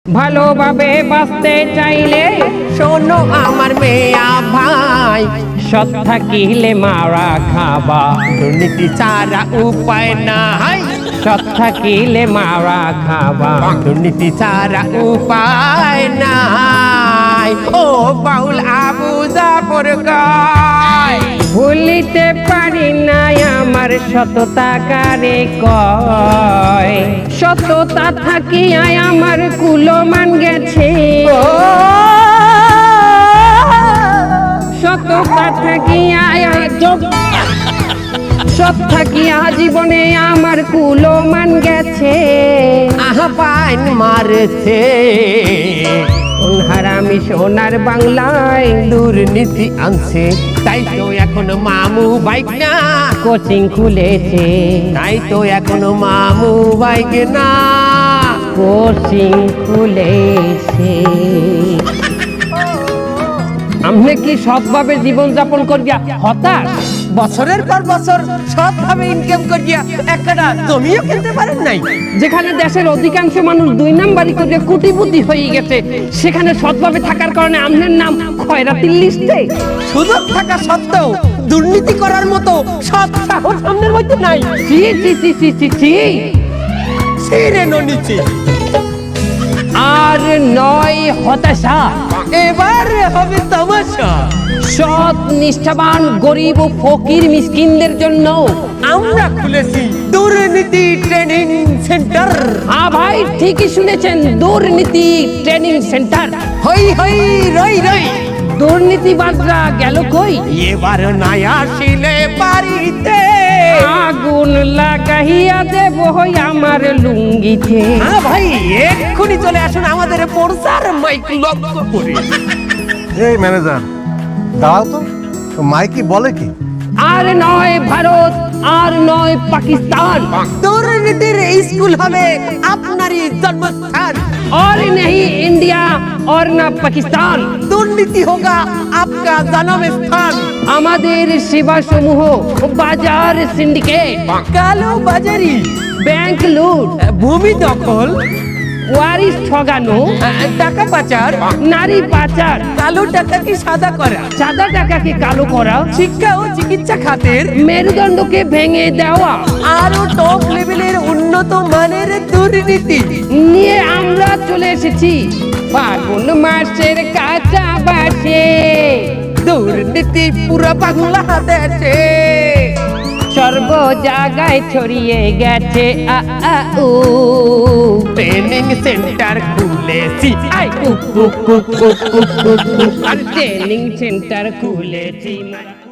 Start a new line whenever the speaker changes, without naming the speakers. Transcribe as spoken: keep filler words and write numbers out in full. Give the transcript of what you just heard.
ভালোভাবে বাঁচতে চাইলে
শোনো আমার মেয়া ভাই,
সৎ থাকিলে মারা খাবা,
দুর্নীতি ছাড়া উপায় নাই।
সৎ থাকিলে মারা খাবা,
দুর্নীতি ছাড়া উপায় নাই। ও বাউল আবু জাফর গায়,
ভুলিতে পারি না আমার সততা কারে কয়, সততা থাকিয়া আমার কুলমান গেছে, সততা থাকিয়া সৎ থাকিয়া জীবনে আমার কুলমান গেছে,
আহা পাইন মারছে
কোন হারামি সোনার বাংলায়
দুর্নীতি আনছে। তাই তো এখন মামু বাইক না,
কোচিং খুলেছে,
তাই তো এখন মামু বাইক না,
কোচিং খুলেছে। আপনি কি সৎভাবে জীবন যাপন করিয়া হতাশ?
বছরের পর বছর সৎভাবে ইনকাম করিয়া একটা জমিও কিনতে পারেন নাই।
যেখানে দেশের অধিকাংশ মানুষ দুই নাম্বারি করিয়া কোটিপতি হয়ে গেছে, সেখানে সৎভাবে থাকার কারণে আপনার নাম খয়রাতির লিস্টে।
সুযোগ থাকা সত্ত্বেও দুর্নীতি করার মতো সৎ সাহস সামনের মধ্যে নাই।
চি চি চি চি চি চি।
ছিঁড়ে নিচে
আর নয় হতাশা,
এবার হবে তামাশা।
সৎ নিষ্ঠাবান গরিব ও ফকির মিসকিনদের জন্য
আমরা খুলেছি দুর্নীতি ট্রেনিং সেন্টার।
হ্যাঁ ভাই, ঠিকই শুনেছেন, দুর্নীতি ট্রেনিং সেন্টার।
হই হই রই রই,
দুর্নীতিবাজরা গেল কই?
এবার নাই আসিলে বাড়িতে
আগুন লাগাইয়া দেব হই আমার লুঙ্গিতে।
হ্যাঁ ভাই, এক্ষুনি চলে আসুন আমাদের পড়সার মাইক লক্ষ্য করে।
এই ম্যানেজার, দাঁড়াও তো, তো মাইকি বলে কি?
আর নয় ভারত, আর নয় পাকিস্তান,
দুর্নীতির স্কুল হবে আপনারই জন্মস্থান।
और नहीं इंडिया और ना পাকিস্তান,
দুর্নীতি হোগা আপকা জন্ম স্থান।
আমাদের সেবা সমূহ বাজার সিন্ডিকেট,
কালো বাজারি,
ব্যাংক লুট,
ভূমি দখল,
ওয়ারিশ ঠগানো,
টাকা পাচার,
নারী পাচার,
কালো টাকাকে সাদা করা,
সাদা টাকাকে কালো করা,
শিক্ষা ও চিকিৎসা খাতের
মেরুদণ্ডকে ভেঙে দেওয়া
আরো টপ লেভেলের উন্নত মানের দুর্নীতি
নিয়ে আমরা চলে এসেছি ফাগুন মাসের কাঁচা বাসে।
দুর্নীতি পুরো বাংলাদেশে
সর্ব জায়গায় ছড়িয়ে গেছে আ আ উ,
ট্রেনিং সেন্টার খুলেছি।
আই উ উ উ উ উ উ, আর ট্রেনিং সেন্টার খুলেছি।